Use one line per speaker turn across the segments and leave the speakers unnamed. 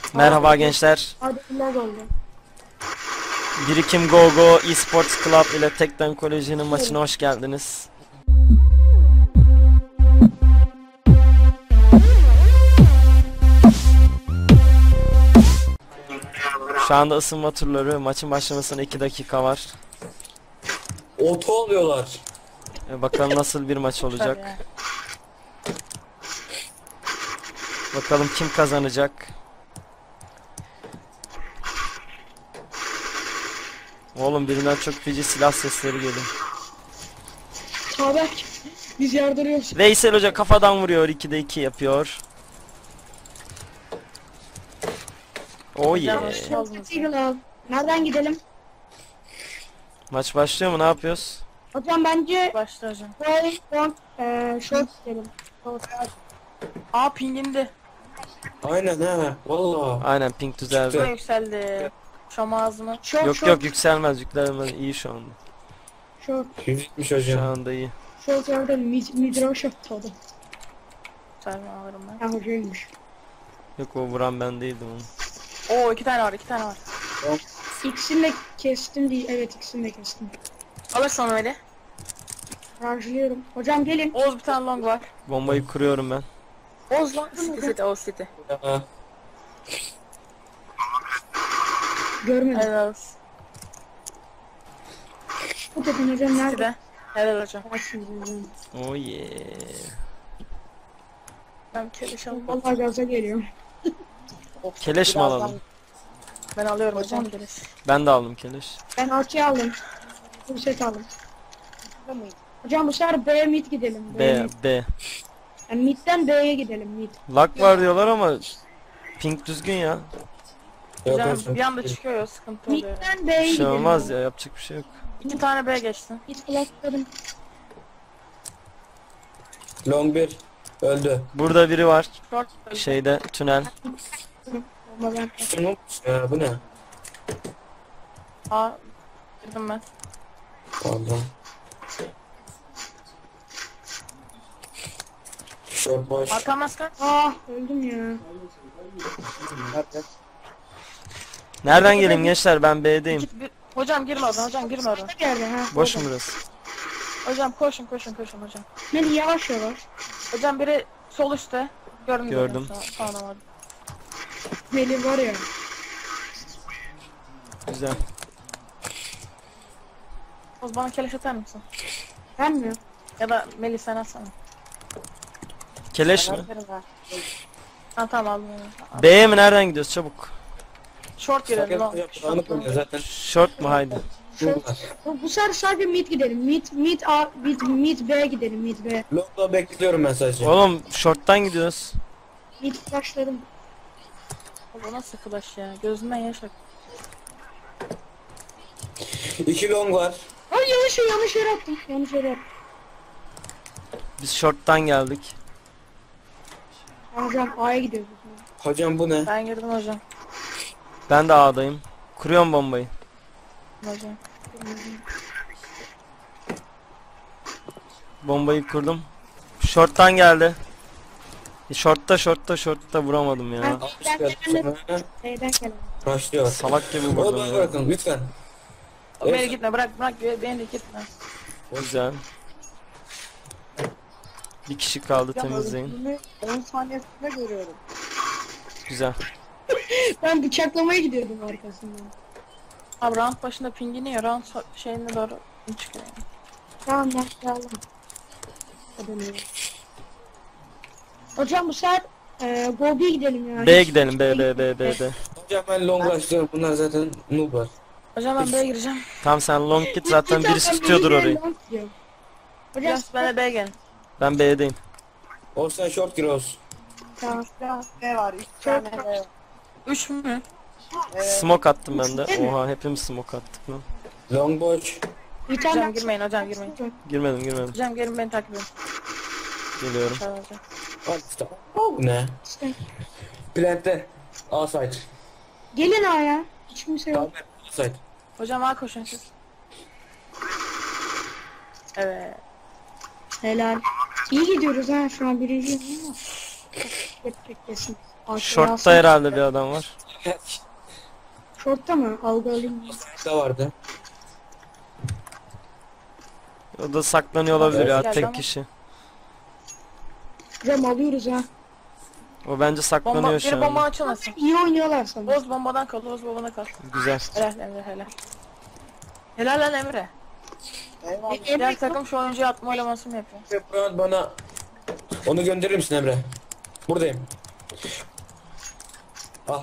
Merhaba gençler.
Adımlar oldu.
Birikim Go Go Esports Club ile Tekden Koleji'nin maçına hoş geldiniz. Şu anda ısınma turları, maçın başlamasına 2 dakika var.
Oto alıyorlar.
Bakalım nasıl bir maç olacak. Bakalım kim kazanacak. Oğlum birinden çok feci silah sesleri geliyor.
Çağberk. Biz yardırıyoruz.
Veysel Hoca kafadan vuruyor, 2'de 2 yapıyor. Oh yeah.
Eagle al. Nereden gidelim?
Maç başlıyor mu? Ne yapıyoruz?
Hocam bence
Başla hocam.
short gidelim.
Aa pingindi.
Aynen ha. Valla.
Aynen, ping düzeldi.
Şuna yükseldi. Şam ağzını.
Short,
Yok
short,
yok, yükselmez, yükselmez, iyi şu anda.
short.
Yüzükmüş
Şu
hocam.
anda iyi.
Short orada mid short oldu.
Selma alırım ben.
Ha hocaymış.
Yok, o vuran ben değildim onu.
Oo iki tane var, iki tane var.
İkisini de kestim değil. Evet, ikisini de kestim.
Alır sonra öyle.
Rajlıyorum. Hocam gelin.
Oğuz bir tane long var.
Bombayı kuruyorum ben.
Oğuz long. City, Oğuz City.
Ha.
Görmedim.
Helal olsun.
Bu dedin hocam nerede?
City'de. Helal hocam.
Açsın hocam.
Oh yeah.
Ben keleş alayım.
Vallahi gaza geliyorum.
Keleş mi alalım?
Ben alıyorum hocam keleş.
Ben de aldım keleş.
Ben arçayı aldım. Bu set aldım. Hocam bu sefer B mid gidelim.
B,
mid.
B.
Yani midden B'ye gidelim mid.
Lag var diyorlar ama ping düzgün ya.
Yok
Hocam
hocam.
bir anda çıkıyor ya, sıkıntı oluyor.
Midden B'ye
Bir şey
gidelim.
olmaz ya, yapacak bir şey yok.
2 tane B geçti.
Mid flashladım.
Long 1 öldü.
Burada biri var.
Short.
Şeyde, tünel.
Ama ben
Ne olmuş ya, bu ne?
Aa girdim ben.
Pardon. Short boş.
Arkam maske.
öldüm ya.
Nereden geleyim gençler, ben B'deyim.
Hocam girme oradan, hocam girme oradan.
Ne geldi ha?
Boş mu burası?
Hocam koşun koşun koşun hocam.
Beni yavaş yavaş.
Hocam biri sol üstte. Gördüm.
Gördüm.
Tamam hadi.
Beni var ya.
Güzel.
Oğuz bana keleş atar mısın?
Ben mi?
Ya da Melih sen atsana.
Keleş mi?
Ha tamam aldım onu.
B'ye mi, nereden gidiyoruz, çabuk.
Short girelim lan.
Anlık oluyor zaten.
Short mu, haydi.
Bu sefer sadece mid gidelim. Mid B gidelim. Mid B.
Long'da bekliyorum ben sadece.
Oğlum short'tan gidiyoruz.
Mid flashladım.
Bu nasıl flash ya? Gözümden yaş ak.
2 long var.
Ay yanlış yere attım. Yanlış yere attım.
Biz short'tan geldik.
Hocam A'ya gidiyoruz.
Hocam bu ne?
Ben girdim hocam.
Ben de A'dayım. Kuruyorum bombayı.
Hocam.
Bombayı kurdum. Short'tan geldi. Short'ta vuramadım ya.
B'den gelen.
Başlıyor.
Salak gibi
Oğlum
vurdum
bana
ya.
bırakın lütfen.
Beni gitme bırak beni de gitme.
Güzel. Bir kişi kaldı, temizleyin.
10 saniyesinde görüyorum.
Güzel.
Ben bıçaklamaya gidiyordum arkasından.
Abi round başında pingini ya round şeyine doğru çıkıyor yani.
Tamam başlayalım. Hocam bu sefer Gobi'ye gidelim ya.
B'ye gidelim, B.
Hocam ben long başlıyorum. Bunlar zaten noob var.
Hocam ben B'ye gireceğim.
Tamam, sen long git, zaten birisi tutuyordur orayı.
Hocam
Biraz ben de B'ye gelin.
Ben B'deyim.
Olsan short gir olsun.
tamam.
Ne var? 3 tane ne var?
3 mü?
Smoke attım ben de. Oha, hepimiz smoke attık lan.
Long boş.
Bir
Hocam
tane
girmeyin hocam girmeyin.
Girmedim.
Hocam gelin beni takip edin.
Geliyorum.
Aşağı hocam.
Hadi işte. Bu ne? Plant'te. A site.
gelin A'ya. Hiç kimse yok.
Tamam. A site.
Hocam A koşun siz. Evet.
Helal. İyi gidiyoruz ha şu an birinciyim ama. Yapacak kesin.
Short'ta herhalde bir adam var.
Short'ta mı? Algı alayım.
Da vardı.
O da saklanıyor olabilir ya,
Geldi
tek
ama.
kişi.
Hocam alıyoruz ha.
O bence
Bomba,
saklanıyor
biri
şu
bomba
an.
açılmasın.
İyi oynuyorlar sanırım.
Oğuz bombadan kal, Oğuz bombadan kal.
Güzel.
Helal Emre, helal. Helal lan Emre.
Eyvallah.
Diğer takım şu oyuncuyu atma oylaması mı yapıyor?
Burak bana onu gönderir misin Emre? Buradayım. Ah.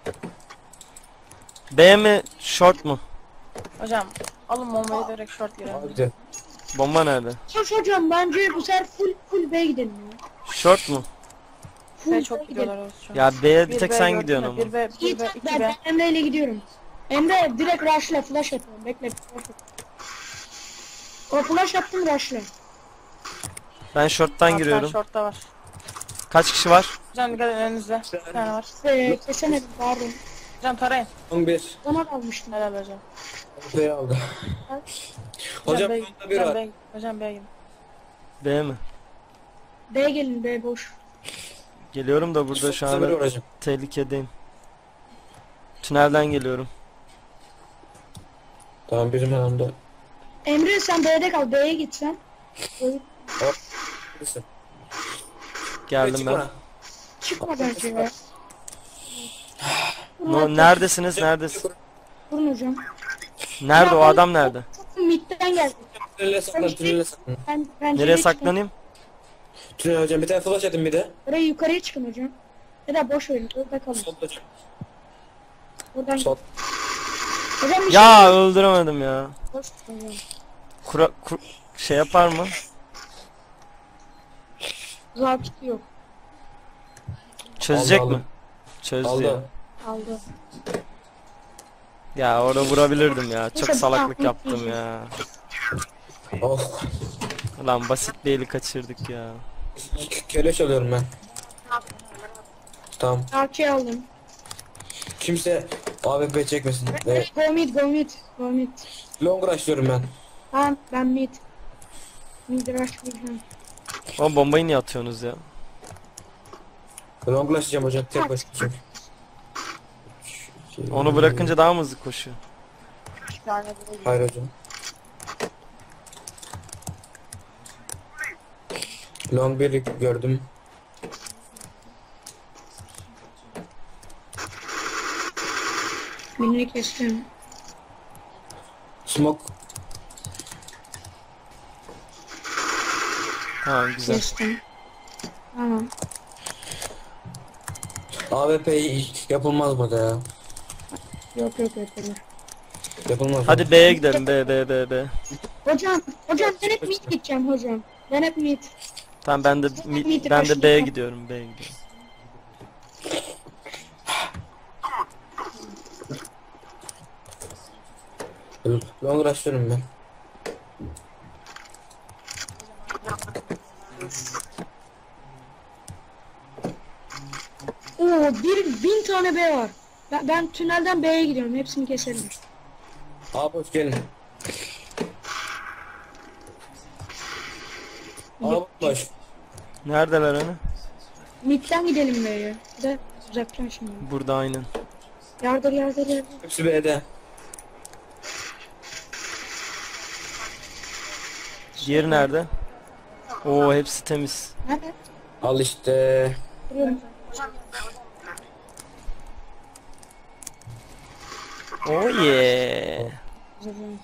B mi short mu?
Hocam alın bombayı direkt short girelim.
Abi
Bomba nerede?
Hocam bence bu sefer full B gidelim ya.
Short mu?
Full
B
B
çok
gidelim.
gidiyorlar Oğuz şu an.
Ya B'ye bir
Bir
tek
B
sen
gördün
gidiyorsun
mü?
ama.
1B,
İyi
1B,
tamam,
2B.
ben Emre ile gidiyorum. Emre direkt rush'la flash atıyorum. Bekle flash atıyorum. O flash attım rush'la.
Ben short'tan
Hatta
giriyorum.
Short'ta var.
Kaç kişi var?
Hocam dikkat edin önünüzde. Bir tane var.
Kesemedim pardon.
Hocam tarayın.
11.
Ona almıştım.
Helal hocam.
B'yi aldı. Hocam
B,
bunda bir
hocam
var.
B, hocam B'ye gidin.
B mi?
B gelin B boş.
Geliyorum da burada şu
Bunda biri var
an
hocam.
tehlikedeyim. Tünelden geliyorum.
Tamam bizim yanımda.
Emre sen B'de kal. B'ye gitsen.
Birisi.
Geldim ben.
Çıkma bence ya.
No, neredesiniz? Neredesiniz?
Vurun hocam.
Nerede o adam nerede?
Mid'den geldi.
Tünele saklan, tünele saklan.
Ben
Nereye saklanayım?
Tünel hocam bir tane flash atın bir de.
Oraya yukarıya çıkın hocam. Ya da boş verin. Orada kalın.
Solda hocam.
Buradan
Sol.
hocam bir
Ya öldüremedim ya.
şey boş hocam.
Şey yapar mı?
Zabit yok.
Çözecek
Aldı,
mi?
aldı.
Çözdü ya.
Aldı.
Aldı.
Ya orada vurabilirdim ya. Çok
Neyse,
salaklık
bu-
yaptım ya.
Oh.
Lan basit bir eli kaçırdık ya.
Keleş alıyorum ben. Tamam.
Arçayı aldım.
Kimse AWP çekmesin. Evet.
Go mid go mid. Go mid.
Long rush'lıyorum ben.
Tamam ben mid. Mid rush vuracağım.
Ama bombayı niye atıyorsunuz ya?
Long rush'layacağım hocam tek başına çünkü.
Onu bırakınca daha mı hızlı koşuyor?
Bir tane böyle
Hayır hocam. Long bir gördüm.
Birini kestim.
Smoke.
Tamam güzel.
Kestim. Tamam.
AWP yapılmaz burada ya.
Yok yapalım.
Yapılmaz.
Hadi B'ye gidelim. B.
Hocam ben hep mid gideceğim hocam. Ben hep mid.
Tamam ben de B'ye gidiyorum. B'ye gidiyorum.
Long rush'lıyorum ben.
Oo 1000 tane B var. Ben tünelden B'ye gidiyorum. Hepsini keselim.
Abi hoş gelin. Abi boş.
Neredeler hani?
Mid'den gidelim B'ye. Bir de uzaktan şimdi.
Burada aynen.
Yardır.
Hepsi B'de.
Diğeri nerede? Oo hepsi temiz.
Nerede?
Al işte.
Duruyorum.
Oh yeah.
Hocam.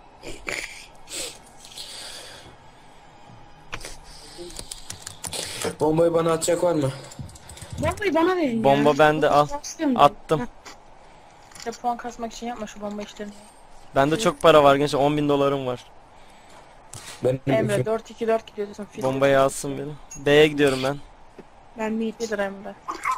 Bombayı bana atacak var mı?
Bombayı bana verin ya.
Bomba bende, al.
Basıyorum ben.
Attım.
Ha,
İşte puan kasmak için yapma şu bomba işlerini.
Bende çok para var gençler. 10.000 dolarım var.
Benim
Emre 4-2-4 gidiyorsun. Fit
Bombayı alsın beni. B'ye gidiyorum ben.
Ben mid.
Fidir Emre.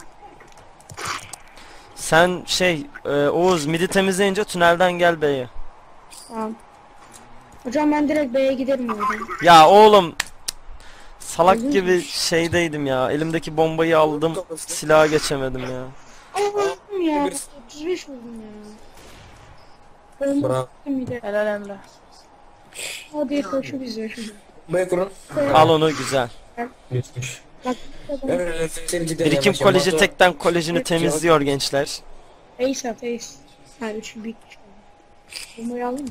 Sen Oğuz midi temizleyince tünelden gel B'ye.
Tamam. Hocam ben direkt B'ye giderim oradan.
Ya oğlum. Salak gibi şeydeydim ya. Elimdeki bombayı aldım. Silaha geçemedim ya.
Allah'ım ya.
Bir-
35 vurdum ya. Bomba
Bravo.
attım bir de.
Helal Emre.
Hadi koşu bize.
Bombayı kurun.
Al onu güzel.
Geçmiş.
Bak.
Emre seni cidden
Birikim
yavaş
koleji
yavaş.
tekten kolejini temizliyor gençler.
Ace at ace. Ha 3 büyük. Bombayı aldın mı?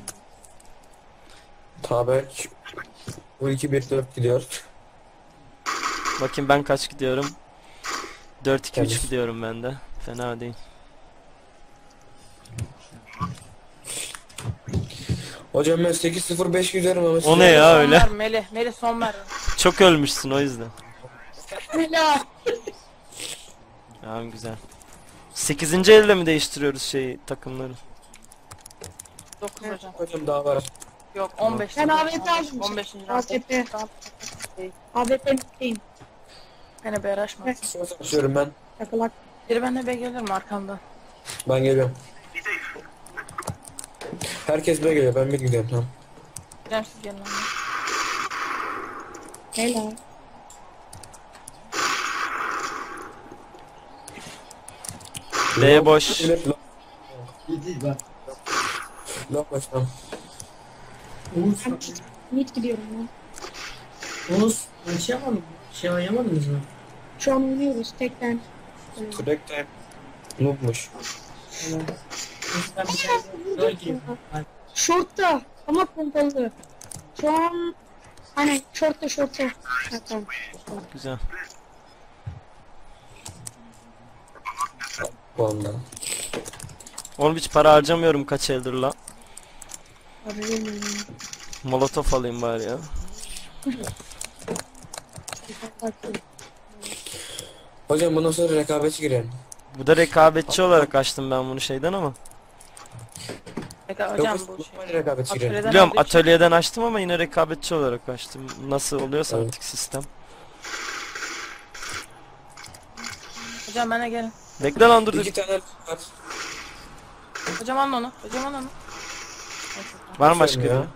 Tabii. Bu 2-1-4 gidiyor.
Bakayım ben kaç gidiyorum. 4-2-3
Temiz.
gidiyorum ben de. Fena değil.
Hocam ben 8-0-5 gidiyorum ama
O ne ya
Son
öyle?
ver Melih. Melih son ver.
Çok ölmüşsün o yüzden.
Helal.
Tamam güzel. 8. elde mi değiştiriyoruz şeyi takımları?
9 hocam.
Hocam daha var.
Yok 15.
Ben AWP aldım.
15.
AWP. AWP'liyim.
Beni bir araşmaz.
Şunu açıyorum ben.
Takılak.
Biri benimle be gelir mi arkamdan?
Ben geliyorum. Herkes buraya geliyor. Ben bir gidiyorum tamam.
Hocam siz gelin.
Helal.
B boş.
Evet,
İyi bak.
Long başlam.
Oğuz,
Mid gidiyorum ben.
Oğuz, ben şey yapmadım. Şey oynamadınız mı?
Şu an oynuyoruz tekten.
Crack time. Noob'muş.
Neyse, ben bir tane rol gireyim.
Short'ta ama pompalı. Şu an hani short'ta. Ha, tamam.
Güzel.
Vallahi.
Oğlum hiç para harcamıyorum kaç eldir la.
Abi bilmiyorum.
Molotof alayım bari ya.
Hocam bundan sonra rekabetçi girelim.
Bu da rekabetçi olarak açtım ben bunu şeyden ama.
Hocam bu şey.
Normal rekabetçi girelim.
Atölyeden
Biliyorum
aldığı için-
atölyeden açtım ama yine rekabetçi olarak açtım. Nasıl oluyorsa
Evet.
artık sistem.
Hocam bana gelin.
Bekle lan dur.
İki tane var.
Hocam alın onu. Hocam alın onu.
Var mı başka
Ya.
biri?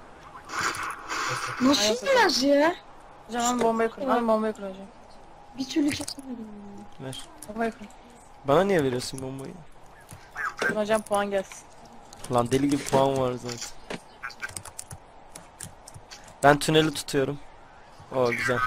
Nasıl biraz ya?
Hocam alın bombayı kurun. Alın bombayı kurun hocam.
Bir türlü kesemedim.
Ver.
Bombayı kurun.
Bana niye veriyorsun bombayı?
Hocam puan gelsin.
Lan deli gibi puan var zaten. Ben tüneli tutuyorum. Oo güzel.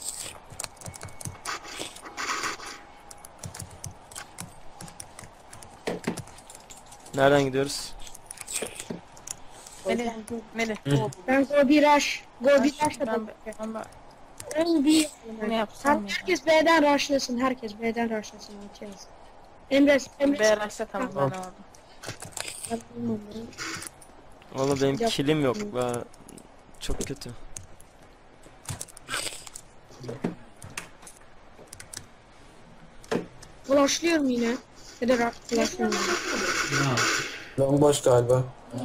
Nereden gidiyoruz?
Melih. Melih.
Ben go bir rush. Go bir rush da
Ben
Go bir.
ne yapsam ya?
Herkes B'den rushlasın. Herkes B'den rushlasın. Emre.
BRH'se tamam ben orada.
Oğlum benim kilim yok. Çok kötü.
Flashlıyorum yine. Ya da flashlıyorum.
Ya.
Long boş galiba.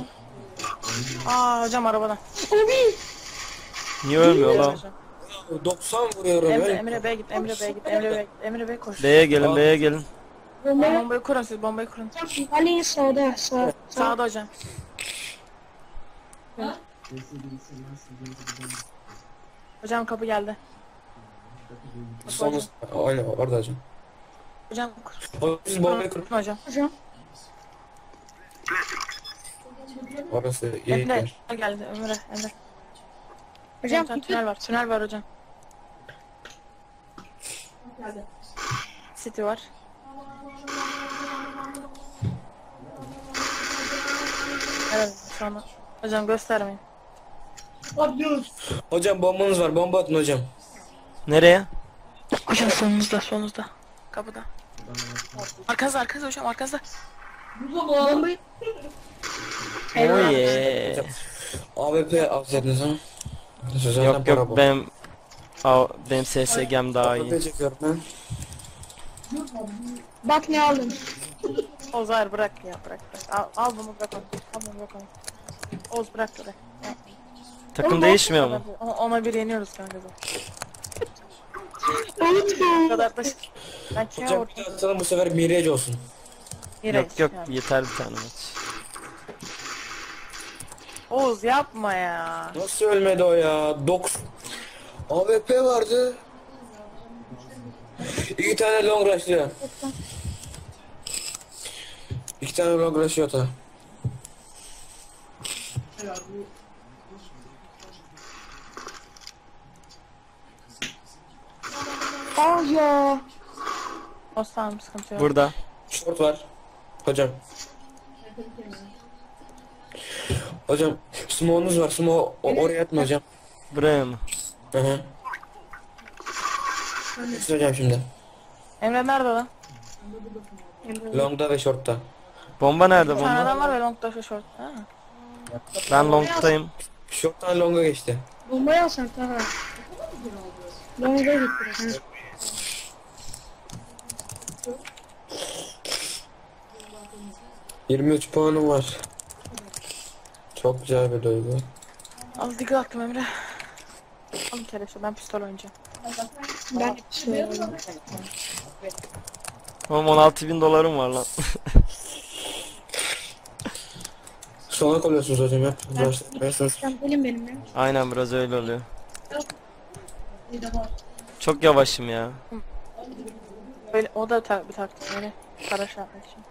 Aa hocam arabadan.
Abi.
Niye ölmüyor lan?
Hocam.
90 vuruyorum.
Emre Bey git. Emre Bey koş.
B'ye gelin, B'ye gelin.
Bomba.
Bombayı kurun siz bombayı kurun.
Ali sağda. Sağ.
Sağda hocam. Hocam kapı geldi. Kapı
Son
hocam.
aynen orada hocam.
Hocam kur.
O siz bombayı kurun.
Hocam.
Hocam.
Orası iyi
Emre
yer.
geldi Emre.
Hocam
Hocam tünel var. Tünel var hocam. City var. Evet sonra. Hocam göstermeyin.
Hocam bombanız var. Bomba atın hocam.
Nereye?
Hocam solunuzda. Kapıda. Arkanızda hocam arkanızda.
bombayı.
Oh yeah.
AWP alsaydınız ha. Zaten
Yok
para
yok
bu.
benim SSG'm daha iyi.
AWP çekiyorum ben.
Bak ne aldım.
Oğuz bırak ya bırak. Al bunu bırak onu. Al bunu bırak onu. Oğuz bırak bırak.
Takım değişmiyor mu?
Ona bir yeniyoruz kanka zaten.
Unutma.
O kadar da ben kime
Hocam
vurdum?
bir daha atalım bu sefer Mirage olsun.
Yok yeter bir tane maç.
Oğuz yapma ya.
Nasıl ölmedi o ya? 9 AWP vardı. 2 tane long rushlıyor. 2 tane long rushlıyor da.
ya.
Osman sıkıntı yok.
Burada.
Short var. Hocam. Hocam smoke'unuz var. Smoke oraya atma hocam.
Buraya mı?
Hı hı. Siz hocam şimdi.
Emre nerede lan?
Long'da ve short'ta.
Bomba nerede
Bir tane
bomba?
adam var ve long'da şu short. Ha.
Ben long'tayım.
Short'tan long'a geçti.
Bombayı alsan Taha. Long'a git biraz. Ha.
...23 puanım var. Çok güzel bir duygu.
Az dikkat attım Emre. Alın keleşi, ben pistol oynayacağım.
Ben söylüyorum.
Oğlum 16.000 dolarım var lan.
Sona kalıyorsunuz hocam hep. Başlatmayasınız.
Sen gelin benimle.
Aynen biraz öyle oluyor. Çok yavaşım ya.
Böyle, o da bir taktik öyle. Karaş yapmak için.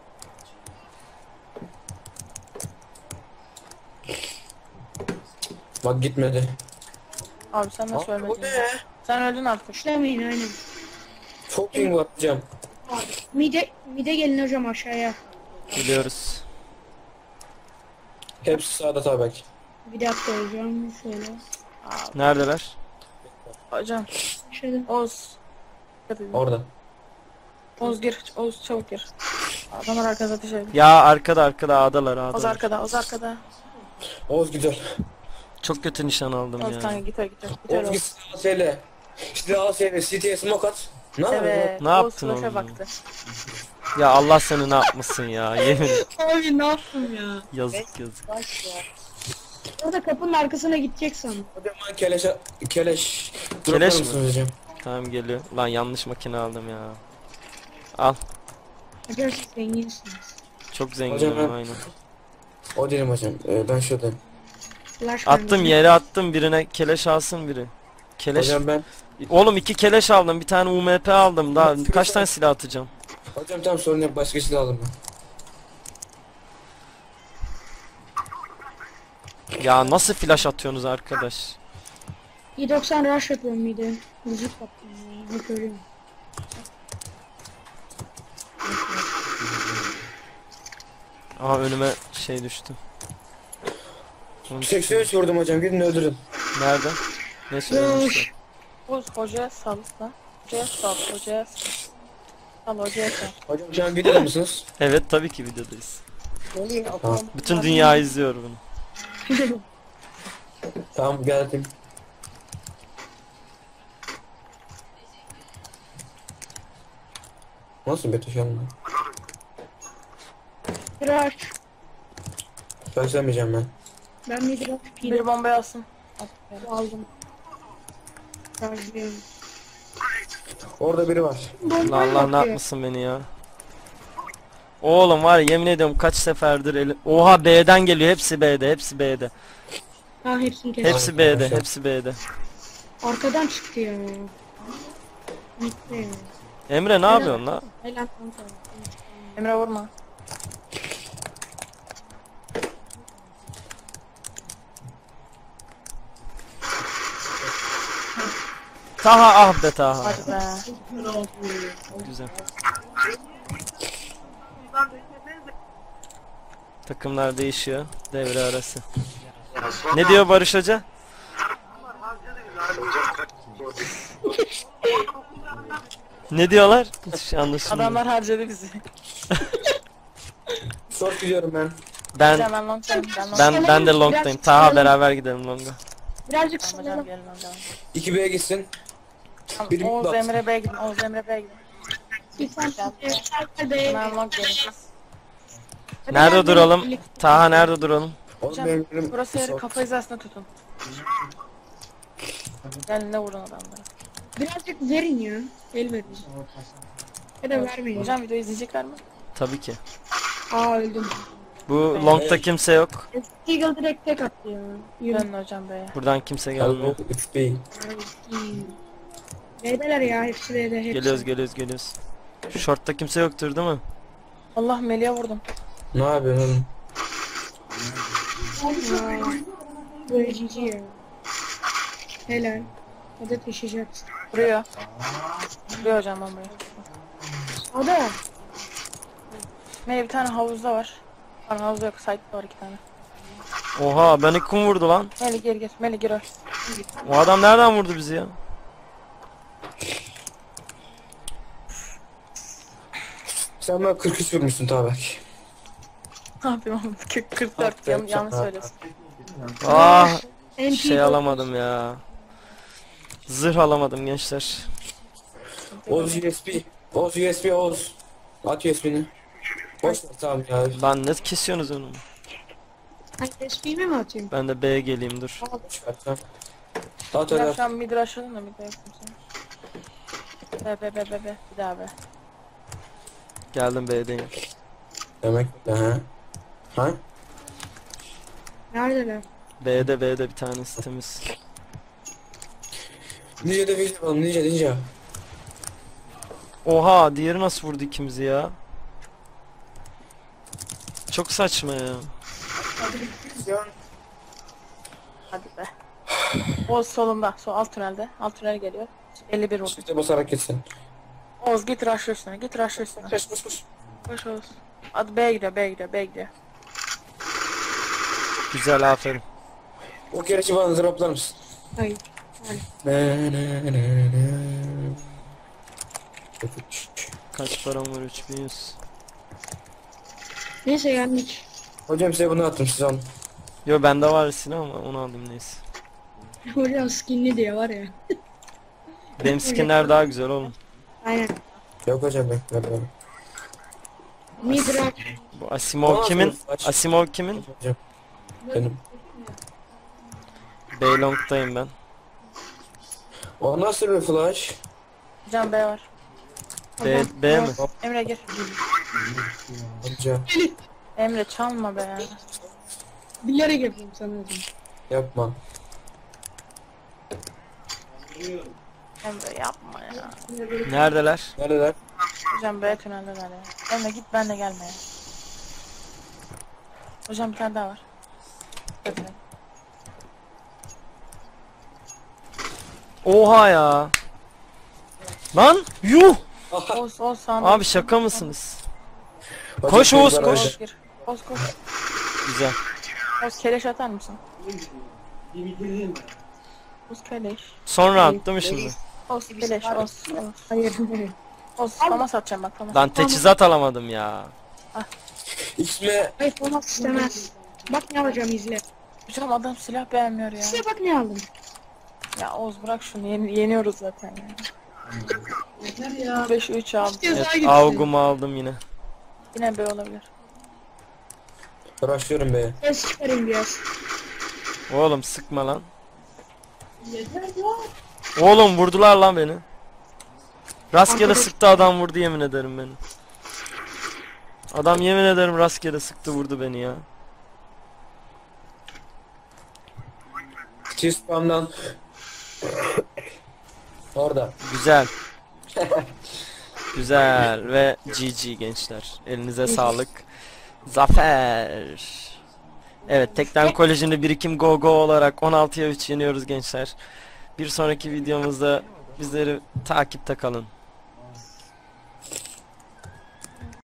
Bak gitmedi.
Abi sen nasıl
O
ölmedin?
ne?
Ya? Sen öldün artık.
Kuşlamayın aynen.
Çok ping var hocam.
Mide gelin hocam aşağıya.
Biliyoruz.
Hepsi sağda tabak.
Bir dakika hocam şöyle.
Neredeler?
Hocam,
Şöyle.
Oğuz.
Orada.
Oğuz gir, Oğuz çabuk gir. Adamlar arkada ateş ediyor.
Ya arkada A'dalar
Oğuz
A'dalar.
arkada, Oğuz arkada.
Oğuz güzel.
Çok kötü nişan aldım
Oğuz kanka
ya.
git git git.
Oğuz git silahı söyle. Silahı söyle. CT'ye smoke at. Ne yapıyorsun?
Evet,
Ne
Oğuz
yaptın
flash'a
oğlum?
baktı.
Ya Allah seni ne yapmasın ya. Yemin
Abi ne yaptım ya?
yazık yazık.
Orada kapının arkasına gidecek sandım.
Hocam ben keleş...
Keleş
Droplar
mi?
mısınız hocam?
Tamam geliyor. Lan yanlış makine aldım ya. Al.
Hocam siz zenginsiniz.
Çok
Hocam
zenginim
ben-
aynen.
O değilim hocam. Ben şuradayım.
Flash
Attım
verdim.
yere attım birine keleş alsın biri. Keleş.
Hocam ben...
Oğlum 2 keleş aldım, bir tane UMP aldım. Daha kaç tane silah atacağım?
Hocam tamam sorun yok. Başka silah aldım ben.
Ya nasıl flash atıyorsunuz arkadaş?
i90 rush yapıyorum mide. Müzik yaptım ya. Hep ölüyorum.
Aa önüme şey düştü.
83 vurdum hocam. Gidin öldürün.
Nerede? Ne söylemişler?
Oğuz hocaya sal lan. Hocaya sal, hocaya sal. Sal hocaya sal.
Hocam şu an videoda mısınız?
Evet tabii ki videodayız.
Tamam.
Bütün dünya izliyor bunu.
Tamam geldim. Nasıl bir şu anda?
Rush.
Başlamayacağım ben.
Ben mide rush
Bir bombayı alsın.
aldım. Charge'lıyorum.
Orada biri var.
Allah Allah ne yapmasın beni ya. Oğlum var ya yemin ediyorum kaç seferdir elim. Oha B'den geliyor, hepsi B'de, hepsi B'de.
Ha hepsini kestim.
Hepsi B'de, hepsi B'de.
Arkadan çıktı ya. Bitti ya.
Emre ne yapıyorsun la?
Helal kanka.
Emre vurma.
Taha ah be Taha.
Hadi be.
Güzel. Takımlar değişiyor. Devre arası. Ne diyor Barış Hoca? Ne diyorlar? Hiç anlaşılmıyor.
Adamlar harcadı bizi.
Short gidiyorum ben.
Ben
Hocam ben long'dayım. Ben long'dayım.
ben de long'dayım. Taha beraber gidelim long'a.
Birazcık
Hocam
sallayalım.
gelin hocam.
2B'ye gitsin.
Tamam,
Biri
Oğuz
bak.
Emre Bey gidin. Oğuz Emre Bey gidin. Ben long gelin.
Nerede duralım? Taha nerede duralım?
Oğlum
Hocam,
benim elim-
Burası yeri
short.
kafa hizasına tutun. Gelin de vurun adamları.
Birazcık verin ya. El verin. Ya da vermeyin.
Hocam video izleyecekler mi?
Tabii ki.
Aa öldüm.
Bu long'ta kimse yok.
Eagle direkt tek attı ya. Yürü.
Dönün hocam Bey'e.
Buradan kimse gelmiyor.
Hello, it's B.
B'deler ya hepsi B'de hepsi.
Geliyoruz. Şu short'ta kimse yoktur değil mi?
Allah Melih'e vurdum.
Ne yapıyorsun oğlum?
Aa, böyle GG ya. Helal. Hadi taşıyacaksın.
Vuruyor. Kuruyor hocam bombayı.
O da.
Melih bir tane havuzda var. Pardon havuzda yok. Site'da var 2 tane.
Oha beni kim vurdu lan?
Melih gir. Melih gir.
O adam nereden vurdu bizi ya?
Sen bana 43 vurmuşsun Tabak.
Ne yapayım oğlum? 44 yanlış söylüyorsun.
Ah
NP
şey alamadım ya. Zırh alamadım gençler.
Oz USB. Oz USB Oz. At USB'ni. Boş ver tamam ya.
Lan ne kesiyorsunuz onu?
Hani SP'mi mi atayım?
Ben de B'ye geleyim dur.
Boş ver tamam. At
Ben
öyle.
şu an mid rush'ladım da mid yapayım sana. Be. Bir daha be.
Geldim B'deyim.
Demek ha. Ha?
Neredeler?
B'de bir tanesi temiz.
Ninja de video yapalım ninja.
Oha diğeri nasıl vurdu ikimizi ya? Çok saçma ya.
Hadi be. Oğuz solunda. Alt tünelde. Alt tünel geliyor. 51 vurdu.
Çifte basarak gitsin.
Oğuz git rush'la üstüne. Git rush'la üstüne.
Koş.
Koş Oğuz. Hadi B'ye gidiyor.
Güzel aferin.
O gereci bana droplar mısın?
Hayır.
Kaç param var 3100.
Neyse geldik.
Hocam size bunu attım siz alın.
Yo bende var silah ama onu aldım neyse.
Hocam skinli diye var ya.
Benim skinler daha güzel oğlum.
Aynen.
Yok hocam ben.
Midrak.
Bu Asimov
Tamam,
kimin?
aç.
Asimov kimin?
Hocam. Benim.
Beylong'dayım ben.
O nasıl bir flash?
Can B var.
B mi?
Emre gir.
Hocam
Emre çalma be.
Bilerek yapıyorum sana hocam.
yapma.
Emre yapma ya.
Neredeler?
Neredeler?
Hocam B tüneldeler ya. Emre git benle gelme ya. Hocam bir tane daha var. Evet.
Oha ya. Lan yuh.
Oğuz sağında.
Abi şaka mısınız?
Hocam,
Koş Oğuz,
bana
koş.
hocam.
Oğuz gir. Oğuz.
Güzel.
Oğuz keleş atar mısın? Oğuz keleş.
Sonra attım şimdi.
Oğuz keleş. Oğuz.
Hayır.
Oğuz famas atacağım bak famas.
Lan teçhizat alamadım ya.
İsmi
Hayır olmak istemez. Bak ne alacağım izle.
Hocam adam silah beğenmiyor ya.
İzle bak ne aldım.
Ya Oğuz bırak şunu yeniyoruz zaten ya. 5-3 aldım.
Evet, Augum'u aldım yine.
Yine B olabilir.
uğraşıyorum be.
Ses çıkarayım biraz.
Oğlum sıkma lan. Oğlum vurdular lan beni. Rastgele sıktı adam vurdu yemin ederim beni. Adam yemin ederim rastgele sıktı vurdu beni ya.
T-spam'dan orada.
Güzel. Güzel ve GG gençler. Elinize sağlık. Zafer. Evet Tekden Koleji'nde birikim go go olarak 16'ya 3 yeniyoruz gençler. Bir sonraki videomuzda bizleri takipte kalın.